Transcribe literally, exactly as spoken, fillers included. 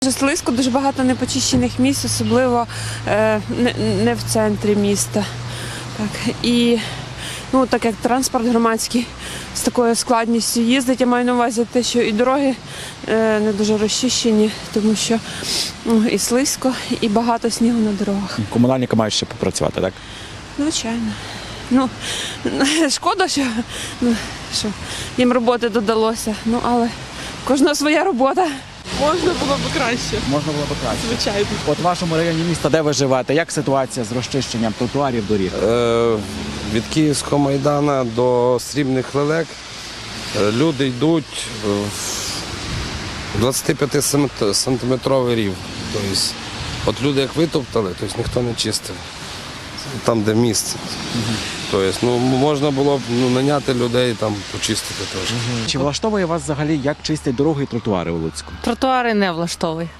Дуже слизько, дуже багато непочищених місць, особливо е, не, не в центрі міста. Так, і ну, так як транспорт громадський з такою складністю їздить, я маю на увазі те, що і дороги е, не дуже розчищені, тому що ну, і слизько, і багато снігу на дорогах. Комунальники мають ще попрацювати, так? Звичайно. Ну, шкода, що, ну, що їм роботи додалося, ну, але в кожного своя робота. Можна було б краще, Можна було б краще. звичайно. От в вашому районі міста, де ви живете, як ситуація з розчищенням тротуарів, доріг? Е, від Київського майдану до Срібних лелек е, люди йдуть в двадцятип'ятисантиметровий рів. Тобто, от люди як витоптали, тобто ніхто не чистив. Там, де місце. Тобто, ну, можна було б ну, наняти людей, там, почистити теж. Чи влаштовує вас взагалі, як чистять дороги і тротуари у Луцьку? Тротуари не влаштовує.